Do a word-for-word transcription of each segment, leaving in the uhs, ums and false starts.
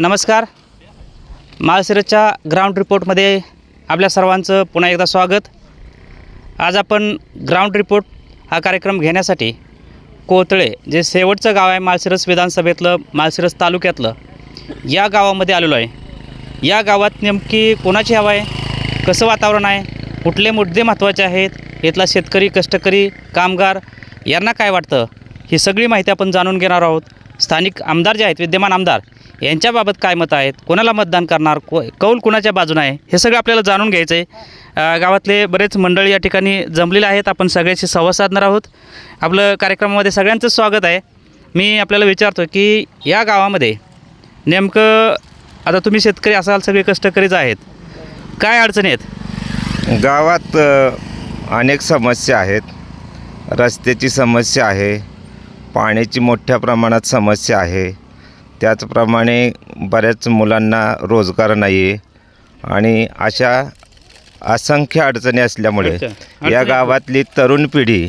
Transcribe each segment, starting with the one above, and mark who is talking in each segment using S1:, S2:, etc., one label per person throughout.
S1: नमस्कार. माळशिरसच्या ग्राउंड रिपोर्टमध्ये आपल्या सर्वांचं पुन्हा एकदा स्वागत. आज आपण ग्राउंड रिपोर्ट हा कार्यक्रम घेण्यासाठी कोथळे जे शेवटचं गाव आहे माळशिरस विधानसभेतलं, माळशिरस तालुक्यातलं, या गावामध्ये आलेलो आहे. या गावात नेमकी कोणाची हवा आहे, कसं वातावरण आहे, कुठले मुद्दे महत्त्वाचे आहेत, इथला शेतकरी, कष्टकरी, कामगार यांना काय वाटतं, ही सगळी माहिती आपण जाणून घेणार आहोत. स्थानिक आमदार जे आहेत, विद्यमान आमदार, यांच्याबाबत काय मतं आहेत, कोणाला मतदान करणार, को कौल कुणाच्या बाजूने आहे, हे सगळं आपल्याला जाणून घ्यायचं आहे. गावातले बरेच मंडळी या ठिकाणी जमलेले आहेत. आपण सगळ्याशी संवाद साधणार आहोत. आपलं कार्यक्रमामध्ये सगळ्यांचं स्वागत आहे. मी आपल्याला विचारतो की या गावामध्ये नेमकं आता तुम्ही शेतकरी असाल, सगळे कष्टकरीच आहेत, काय अडचणी आहेत
S2: गावात? अनेक समस्या आहेत. रस्त्याची समस्या आहे, पाण्याची मोठ्या प्रमाणात समस्या आहे, त्याचप्रमाणे बऱ्याच मुलांना रोजगार नाही आहे आणि अशा असंख्य अडचणी असल्यामुळे या गावातली तरुण पिढी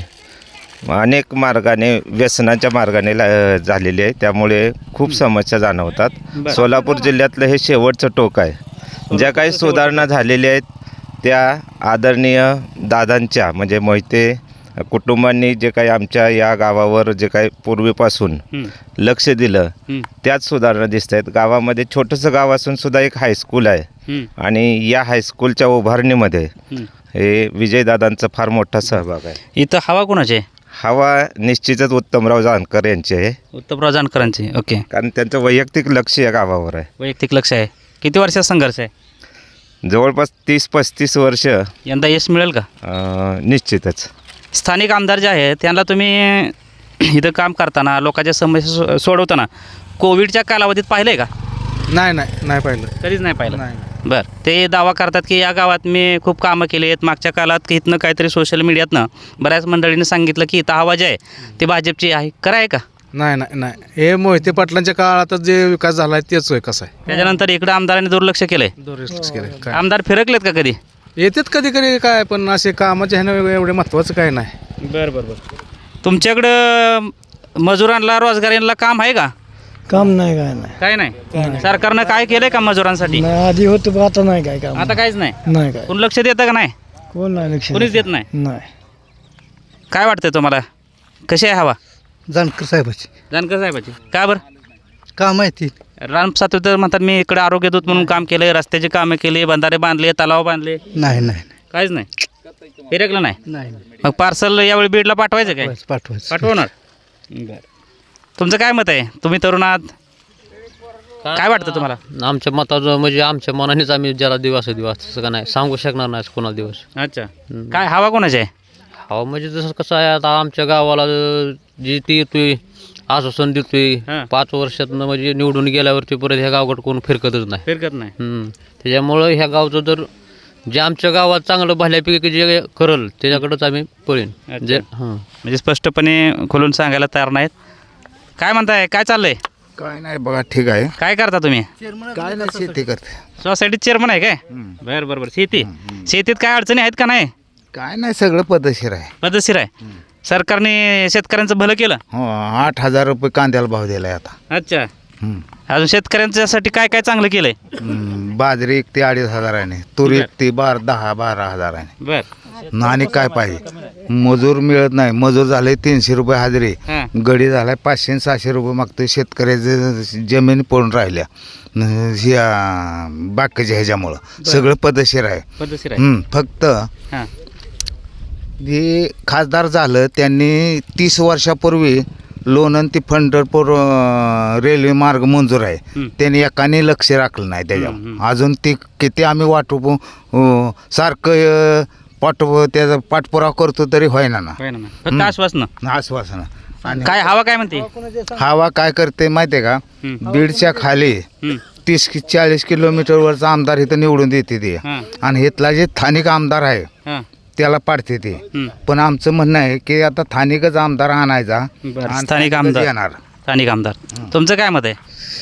S2: अनेक मार्गाने व्यसनाच्या मार्गाने झालेली आहे. त्यामुळे खूप समस्या जाणवतात. सोलापूर जिल्ह्यातलं हे शेवटचं टोक आहे. ज्या काही सुधारणा झालेल्या आहेत त्या आदरणीय दादांच्या म्हणजे मोहिते कुटुंबांनी जे काही आमच्या या गावावर जे काही पूर्वीपासून लक्ष दिलं त्याच सुधारणा दिसत आहेत. गावामध्ये छोटंसं गाव असून सुद्धा एक हायस्कूल आहे आणि या हायस्कूलच्या उभारणीमध्ये हे विजयदादांचा फार मोठा सहभाग आहे.
S1: इथं हवा कोणाची आहे?
S2: हवा निश्चितच उत्तमराव जानकर यांची आहे.
S1: उत्तमराव जानकरांची. ओके.
S2: कारण त्यांचं वैयक्तिक लक्ष या गावावर आहे.
S1: वैयक्तिक लक्ष आहे. किती वर्षाचा संघर्ष आहे?
S2: जवळपास तीस पस्तीस वर्ष.
S1: यंदा यश मिळेल का?
S2: निश्चितच.
S1: स्थानिक आमदार जे आहेत त्यांना तुम्ही इथं काम करताना, लोकांच्या समस्या सोडवताना कोविडच्या कालावधीत पाहिलं आहे का?
S3: नाही नाही नाही पाहिलं,
S1: कधीच नाही पाहिलं.
S3: नाही.
S1: बरं, ते दावा करतात की या गावात मी खूप कामं केली आहेत. मागच्या काळात की इथनं काहीतरी सोशल मीडियातनं बऱ्याच मंडळींनी सांगितलं की इथं हवा जी आहे ती भाजपची आहे. खरं आहे का?
S3: नाही नाही नाही हे मोहिते पाटलांच्या काळातच जे विकास झाला आहे तेच होय. कसं आहे,
S1: त्याच्यानंतर इकडं आमदारांनी दुर्लक्ष केलं आहे.
S3: दुरुस्त केलं काय?
S1: आमदार फिरकलेत का कधी?
S3: येतात कधी कधी काय, पण असे कामाचे ह्यानं एवढे महत्त्वाचं काय नाही.
S1: बरं बरं बरं. तुमच्याकडं मजुरांना, रोजगारांना काम आहे का?
S4: काम नाही, काय नाही,
S1: काय नाही. सरकारनं काय केलंय का मजुरांसाठी?
S4: नाही, आधी होतं पण आता नाही, काय काम
S1: आता काहीच नाही.
S4: नाही, काय
S1: कोण लक्ष देतं का नाही?
S4: कोण नाही लक्ष
S1: कोणीच देत नाही.
S4: नाही.
S1: काय वाटतंय तुम्हाला, कशी आहे हवा?
S4: जानकर साहेबाची
S1: जानकर साहेबाची. का बरं?
S4: काम आहे ती.
S1: राम सातपुते म्हणतात मी इकडे आरोग्य दूत म्हणून काम केलं, रस्त्याची कामं केली, बंधारे बांधले, तलाव बांधले.
S4: नाही नाही
S1: काहीच नाही. फिरकलं नाही.
S4: नाही
S1: मग पार्सल यावेळी बीडला पाठवायचं काय?
S4: पाठवायचं.
S1: पाठवणार. बरं. तुमचं काय मत आहे? तुम्ही तरुण आहात, काय वाटतं तुम्हाला?
S5: आमच्या मताचं म्हणजे आमच्या मनानेच आम्ही ज्याला दिवस दिवस तसं का नाही सांगू शकणार नाही कोणाला दिवस.
S1: अच्छा. काय हवा कोणाची आहे?
S5: हो म्हणजे जसं कसं आहे, आता आमच्या गावाला जी ती येतोय आश्वासन देतोय
S1: हां.
S5: पाच वर्षातनं म्हणजे निवडून गेल्यावरती परत ह्या गावाकडे कोण फिरकतच नाही.
S1: फिरकत नाही.
S5: हम्म. त्याच्यामुळं ह्या गावचं जर जे आमच्या गावात चांगलं भल्यापैकी जे करल त्याच्याकडंच आम्ही पळीन. जे हां
S1: म्हणजे स्पष्टपणे खोलून सांगायला तयार नाहीत. काय म्हणताय, काय चाललंय?
S6: काय नाही बघा, ठीक आहे.
S1: काय करता तुम्ही?
S6: काय नाही, शेती करते.
S1: सोसायटीत चेअरमन आहे काय? बरं बरं बरं. शेती शेतीत काय अडचणी आहेत का नाही?
S6: काय नाही, सगळं पद्धतशीर आहे.
S1: पद्धतशीर आहे. सरकारने शेतकऱ्यांचं भलं केलं.
S6: हो, आठ हजार रुपये कांद्याला भाव दिलाय आता.
S1: अच्छा.
S6: हं.
S1: अजून शेतकऱ्यांच्यासाठी काय काय चांगलं केलंय?
S6: हं, बाजरी एक ते अडीच हजाराने, तुरी एक ते बारा दहा बारा हजाराने.
S1: बर.
S6: आणि काय पाहिजे, मजूर मिळत नाही. मजूर झाले तीनशे रुपये हजेरी,
S1: हां.
S6: गडी झालाय पाचशे सहाशे रुपये मागतोय. शेतकऱ्याचे जमीन पडून राहिल्या ह्या बाकीच्या ह्याच्यामुळं सगळं पद्धतशीर आहे.
S1: पद्धतशीर आहे.
S6: हं, फक्त
S1: हां.
S6: जे खासदार झालं त्यांनी तीस वर्षापूर्वी लोणंद ते पंढरपूर अं, रेल्वे मार्ग मंजूर आहे.
S1: हं.
S6: त्यांनी एकाने लक्ष राखलं नाही त्याच्यावर. अजून ती किती आम्ही वाटू अं, सारखं अं, पाठव त्याचा पाठपुरावा करतो तरी होईना ना.
S1: होय ना. फक्त आश्वासन.
S6: आश्वासन. आणि
S1: काय हवा काय म्हणते?
S6: हवा काय करते माहिती आहे का,
S1: हं.
S6: बीडच्या खाली
S1: हं.
S6: तीस कि चाळीस किलोमीटरवरचा आमदार इथं निवडून देते ते,
S1: हां.
S6: आणि इथला जे स्थानिक आमदार आहे
S1: हां.
S6: त्याला पाडते ते.
S1: हं.
S6: पण आमचं म्हणणं आहे की आता स्थानिकच आमदार आणायचा.
S1: बरं.
S6: आणि
S1: स्थानिक
S6: स्थानिकच
S1: आमदार
S6: येणार.
S1: स्थानिक आमदार. तुमचं काय मत आहे?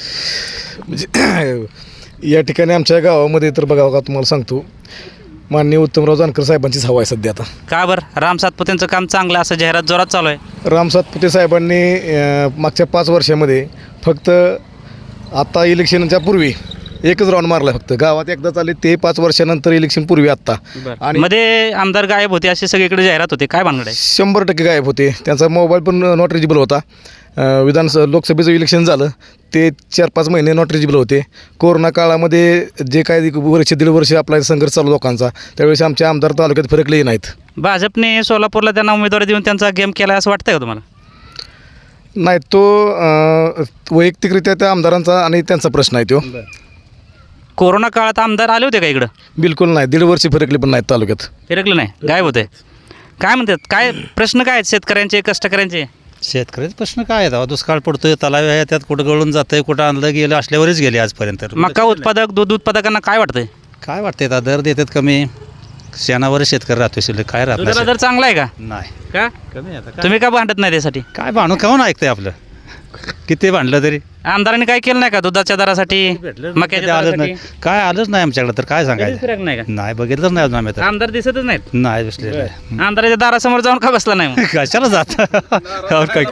S3: म्हणजे या ठिकाणी आमच्या गावामध्ये तर बघा का तुम्हाला सांगतो, माननीय उत्तमराव जानकर साहेबांचीच हवा आहे सध्या आता.
S1: का बरं? राम सातपुतेंचं काम चांगलं असं जाहिरात जोरात चालू आहे.
S3: राम सातपुते साहेबांनी अं, मागच्या पाच वर्षामध्ये फक्त आता इलेक्शनच्या पूर्वी एकच राऊंड मारला फक्त. गावात एकदा चालले ते पाच वर्षानंतर इलेक्शन पूर्वी आत्ता. आणि
S1: मध्ये आमदार गायब होते असे सगळीकडे जाहिरात होते, काय भानगड आहे?
S3: शंभर टक्के गायब होते. त्यांचा मोबाईल पण नॉट रिजेबल होता. अं, विधान लोकसभेचं इलेक्शन झालं ते चार पाच महिने नॉट रिजेबल होते. कोरोना काळामध्ये जे काही वर्ष दीड वर्ष आपला संघर्ष चालू लोकांचा, त्यावेळेस आमचे आमदार तालुक्यात फरकलेही नाहीत.
S1: भाजपने सोलापूरला त्यांना उमेदवारी देऊन त्यांचा गेम केला असं वाटतंय का तुम्हाला?
S3: नाही, तो अं, वैयक्तिकरित्या त्या आमदारांचा आणि त्यांचा प्रश्न आहे तो.
S1: कोरोना काळात आमदार आले होते का इकडं?
S3: बिलकुल नाही, दीड वर्ष फरकले पण नाहीत तालुक्यात.
S1: फिरकलं नाही, गायब होते. काय म्हणतात, काय प्रश्न काय आहेत शेतकऱ्यांचे, कष्टकऱ्यांचे?
S7: शेतकऱ्याचे प्रश्न काय आहेत? दुष्काळ पडतोय, तलाव आहे, त्यात कुठं गळून जातंय, कुठं आणलं गेलं असल्यावरच गेले आजपर्यंत.
S1: मका उत्पादक, दूध उत्पादकांना काय वाटतंय?
S7: काय वाटतंय? आता दर देतात कमी, शेणावरच शेतकरी राहतोय, शिल्लक काय
S1: दुधाला
S7: राहत
S1: दर चांगला आहे का?
S7: नाही.
S1: का
S7: कमी आता
S1: तुम्ही का भांडत नाही त्यासाठी?
S7: काय भांडून काऊन ऐकतंय आपलं? किती भांडलं तरी
S1: आमदारांनी काय केलं नाही का दुधाच्या दरासाठी, मक्याच्या
S7: आलंच
S1: दरासाठी?
S7: नाही, काय आलंच नाही आमच्याकडे, तर काय
S1: कधीच
S7: सांगायचं?
S1: फिरक नाही का?
S7: नाही, बघितलंच नाही अजून आम्ही तर.
S1: आमदार दिसतच नाहीत.
S7: नाही दिसलेलं आहे.
S1: आमदाराच्या दारासमोर जाऊन का बसला नाही मग?
S7: कशाला जात काय?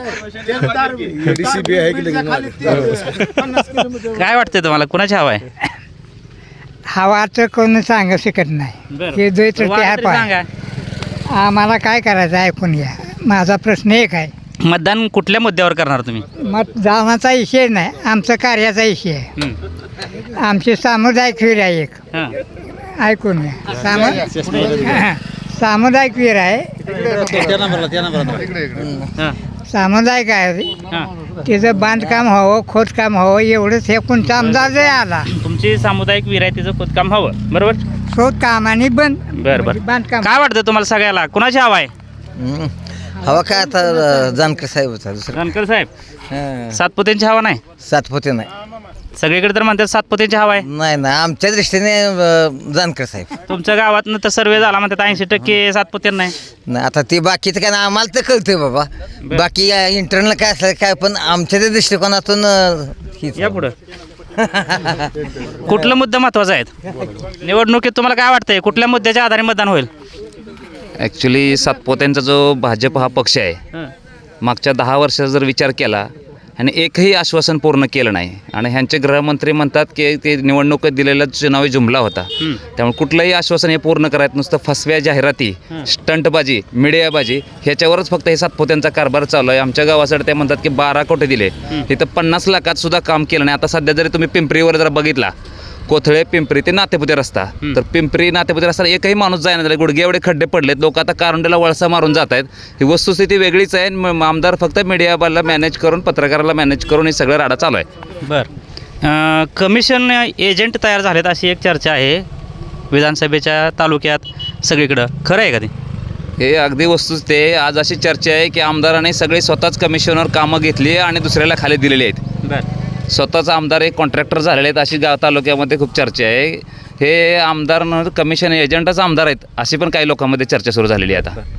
S1: काय वाटतंय तुम्हाला, कुणाची हवा आहे?
S8: हवा तर कोणी सांगू शकत नाही. हे द्वैत
S1: वाटतं तरी सांगा.
S8: आम्हाला काय करायचं ऐकून घ्या. माझा प्रश्न एक आहे,
S1: मतदान कुठल्या मुद्द्यावर करणार तुम्ही?
S8: मतदानाचा विषय नाही, आमचा कार्याचा विषय आहे.
S1: हं.
S8: आमची सामुदायिक वीर आहे एक,
S1: हां.
S8: ऐकून घ्या. सामु हां. सामुदायिक वीर आहे,
S1: हां.
S8: सामुदायिक आहे.
S1: हां.
S8: तिचं बांधकाम हवं, खोदकाम हवं, एवढंच हे कोणता आमदार जे आला.
S1: तुमची सामुदायिक विहीर आहे, तिचं खोदकाम हवं, बरोबर?
S8: खोदकाम आणि बंद
S1: बरं बरं.
S8: बांधकाम.
S1: काय वाटतं तुम्हाला सगळ्याला, कुणाची हवा आहे?
S9: हवा काय आता जानकर साहेब होता दुसरं
S1: रणकर साहेब,
S9: हां.
S1: सातपुतेंची हवा नाही?
S9: सातपुते नाही
S1: सगळीकडे तर म्हणतात सातपुतेंची हवा आहे.
S9: नाही नाही आमच्या दृष्टीने अं, जानकर साहेब.
S1: तुमच्या गावातनं तर सर्वे झाला म्हणतात ऐंशी टक्के सातपुते नाही.
S9: नाही आता ते बाकीचं काय नाही, आम्हाला तर कळतंय बाबा. बाकी इंटरनल काय असलं काय, पण आमच्या त्या दृष्टिकोनातून अं, हीच.
S1: या पुढं कुठला मुद्दा महत्वाचा आहे निवडणुकीत? तुम्हाला काय वाटतंय, कुठल्या मुद्द्याच्या आधारे मतदान होईल?
S10: ॲक्च्युली सातपोत्यांचा जो भाजप हा पक्ष आहे, मागच्या दहा वर्षाचा जर विचार केला आणि एकही आश्वासन पूर्ण केलं नाही, आणि ह्यांचे गृहमंत्री म्हणतात की ते निवडणुकीत दिलेला चुनावी जुमला होता, त्यामुळे कुठलंही आश्वासन हे पूर्ण करायचं नुसतं फसव्या जाहिराती, स्टंटबाजी, मीडियाबाजी ह्याच्यावरच फक्त हे सातपोत्यांचा कारभार चालू आहे. आमच्या गावासाठी ते म्हणतात की बारा कोटी दिले, इथं पन्नास लाखात सुद्धा काम केलं नाही. आता सध्या जरी तुम्ही पिंपरीवर जर बघितला, कोथळे पिंपरी ते नातेपुते रस्ता, तर पिंपरी नातेपुते रस्ता एकही माणूस जायना झाला, गुडघे एवढे खड्डे पडलेत, लोक आता कारंडेला वळसा मारून जात आहेत. ही वस्तुस्थिती वेगळीच आहे. म- आमदार फक्त मीडियाला मॅनेज करून, पत्रकाराला मॅनेज करून हे सगळं राडा चालू आहे.
S1: बरं, कमिशन एजंट तयार झालेत अशी एक चर्चा आहे विधानसभेच्या तालुक्यात सगळीकडं, खरं आहे का ते?
S10: हे अगदी वस्तुस्थिती आहे. आज अशी चर्चा आहे की आमदाराने सगळे स्वतःच कमिशनवर कामं घेतली आणि दुसऱ्याला खाली दिलेली आहेत.
S1: बरं.
S10: स्वतःचा आमदार एक कॉन्ट्रॅक्टर झालेले आहेत अशी गाव तालुक्यामध्ये खूप चर्चा आहे. हे आमदार कमिशन एजंटच आमदार आहेत अशी पण काही लोकांमध्ये चर्चा सुरू झालेली आहे. आता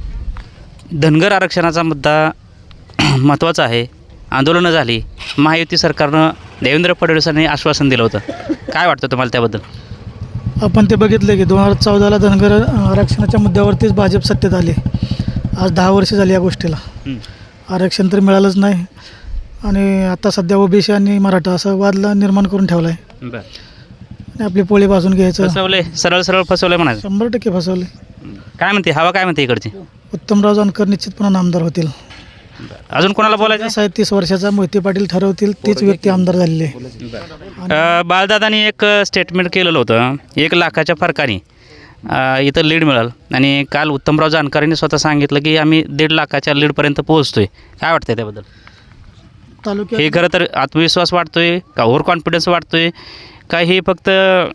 S1: धनगर आरक्षणाचा मुद्दा महत्त्वाचा आहे. आंदोलनं झाली, महायुती सरकारनं देवेंद्र फडणवीसांनी आश्वासन दिलं होतं. काय वाटतं तुम्हाला त्याबद्दल?
S4: आपण ते बघितलं की दोन हजार चौदाला धनगर आरक्षणाच्या मुद्द्यावरतीच भाजप सत्तेत आले. आज दहा वर्ष झाली या गोष्टीला, आरक्षण तर मिळालंच नाही. आणि आता सध्या ओबीसी आणि मराठा असं वादला निर्माण करून ठेवला आहे.
S1: बरं.
S4: आणि आपली पोळी भाजून घ्यायचं.
S1: फसवले, सरळ सरळ फसवले म्हणायचं.
S4: शंभर टक्के फसवले.
S1: काय म्हणते हवा, काय म्हणते इकडची?
S4: उत्तमराव जानकर निश्चितपणे आमदार होतील.
S1: अजून कोणाला बोलायचं?
S4: असं आहे, तीस वर्षाचा मोहिते पाटील ठरवतील तीच व्यक्ती आमदार झालेली आहे.
S1: अ, बाळदादांनी एक स्टेटमेंट केलेलं होतं, एक लाखाच्या फरकाने अ, इथं लीड मिळाल, आणि काल उत्तमराव जानकरांनी स्वतः सांगितलं की आम्ही दीड लाखाच्या लीडपर्यंत पोहोचतोय. काय वाटतंय त्याबद्दल?
S4: तालुक्यात
S1: हे खरं तर आत्मविश्वास वाटतोय का, ओव्हर कॉन्फिडन्स वाटतोय का, हे फक्त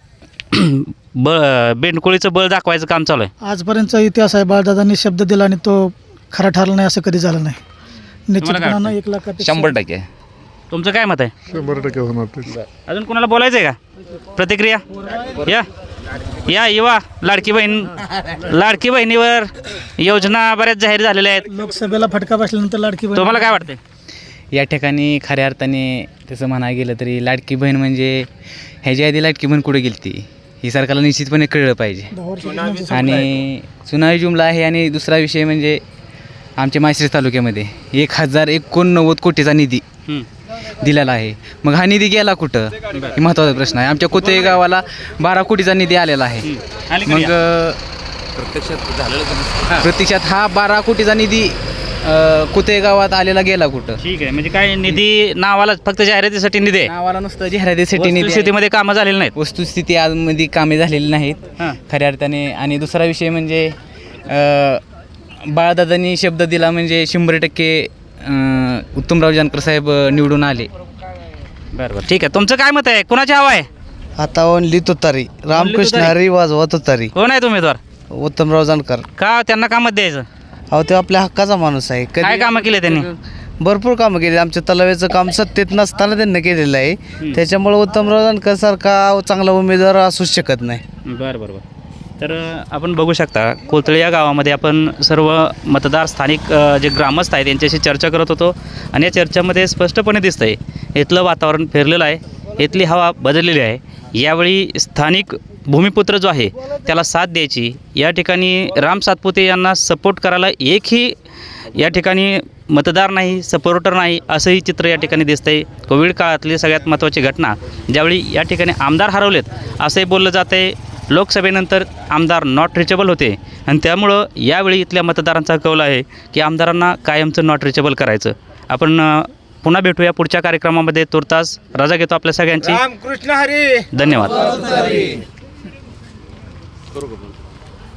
S1: ब बेंडकोळीचं बळ दाखवायचं काम चालू आहे?
S4: आजपर्यंतचा इतिहास आहे, बाळदादांनी शब्द दिला आणि तो खरा ठरला नाही असं कधी झालं नाही. निश्चितपणानं एक लाखापेक्षा
S10: शंभर टक्के.
S1: तुमचं काय मत आहे?
S3: शंभर टक्के होणार.
S1: अजून कोणाला बोलायचं आहे का? प्रतिक्रिया या या युवा लाडकी बहीण, लाडकी बहिणीवर योजना बऱ्याच जाहीर झालेल्या आहेत.
S4: लोकसभेला फटका बसल्यानंतर लाडकी बहीण.
S1: तुम्हाला काय वाटतंय?
S11: या ठिकाणी खऱ्या अर्थाने तसं म्हणायला गेलं तरी लाडकी बहीण म्हणजे ह्याच्या आधी लाडकी बहीण कुठे गेली ती ही सरकारला निश्चितपणे कळलं पाहिजे. आणि चुनावी जुमला आहे. आणि दुसरा विषय म्हणजे आमच्या माळशिरस तालुक्यामध्ये एक हजार एकोणनव्वद कोटीचा निधी दिलेला आहे. मग हा निधी गेला कुठं हे महत्त्वाचा प्रश्न आहे. आमच्या कोते गावाला बारा कोटीचा निधी आलेला आहे.
S1: आणि
S11: मग अ,
S10: प्रत्यक्षात झालेलं
S11: प्रत्यक्षात हा बारा कोटीचा निधी कुते गावात आलेला गेला कुठं?
S1: ठीक आहे, म्हणजे काय निधी नावाला फक्त जाहिरातीसाठी निधी आहे,
S11: नावाला नुसतं जाहिरातीसाठी निधी आहे.
S1: शेतीमध्ये कामं झालेली नाहीत.
S11: वस्तुस्थिती आजमध्ये कामे झालेली नाहीत
S1: हां.
S11: खऱ्या अर्थाने. आणि दुसरा विषय म्हणजे अ, बाळदादांनी शब्द दिला म्हणजे शंभर टक्के अ, उत्तमराव जानकर साहेब निवडून आले.
S1: बरं बरं ठीक आहे. तुमचं काय मत आहे, कुणाची हवा आहे?
S12: आता ओनली तुतारी रामकृष्ण
S1: तुतारी?
S12: हरी वाजवा तुतारी
S1: कोण आहे उमेदवार?
S12: उत्तमराव जानकर.
S1: का त्यांना का मत द्यायचं?
S12: अहो ते आपल्या हक्काचा माणूस आहे.
S1: काय कामं केले त्यांनी?
S12: भरपूर कामं केली. आमच्या तलाव्याचं काम सत्तेत नसताना त्यांनी केलेलं आहे. त्याच्यामुळे उत्तमराव जानकर सारखा चांगला उमेदवार असूच शकत नाही.
S1: बरं बरं बरं तर अ, आपण बघू शकता कोथळे या गावामध्ये आपण सर्व मतदार स्थानिक अ, जे ग्रामस्थ आहेत त्यांच्याशी चर्चा करत होतो आणि या चर्चामध्ये स्पष्टपणे दिसतं आहे इथलं वातावरण फिरलेलं आहे, इथली हवा बदललेली आहे. यावेळी स्थानिक भूमिपुत्र जो आहे त्याला साथ द्यायची, या ठिकाणी राम सातपुते यांना सपोर्ट करायला एकही या ठिकाणी मतदार नाही, सपोर्टर नाही, असंही चित्र या ठिकाणी दिसतं आहे. कोविड काळातली सगळ्यात महत्त्वाची घटना ज्यावेळी या ठिकाणी आमदार हरवलेत असंही बोललं जातं आहे. लोकसभेनंतर आमदार नॉट रिचेबल होते आणि त्यामुळं यावेळी इथल्या मतदारांचा कौल आहे की आमदारांना कायमचं नॉट रिचेबल करायचं. आपण अ, पुन्हा भेटूया पुढच्या कार्यक्रमामध्ये. तुर्तास रजा घेतो आपल्या सगळ्यांची.
S6: रामकृष्ण हरी.
S1: धन्यवाद.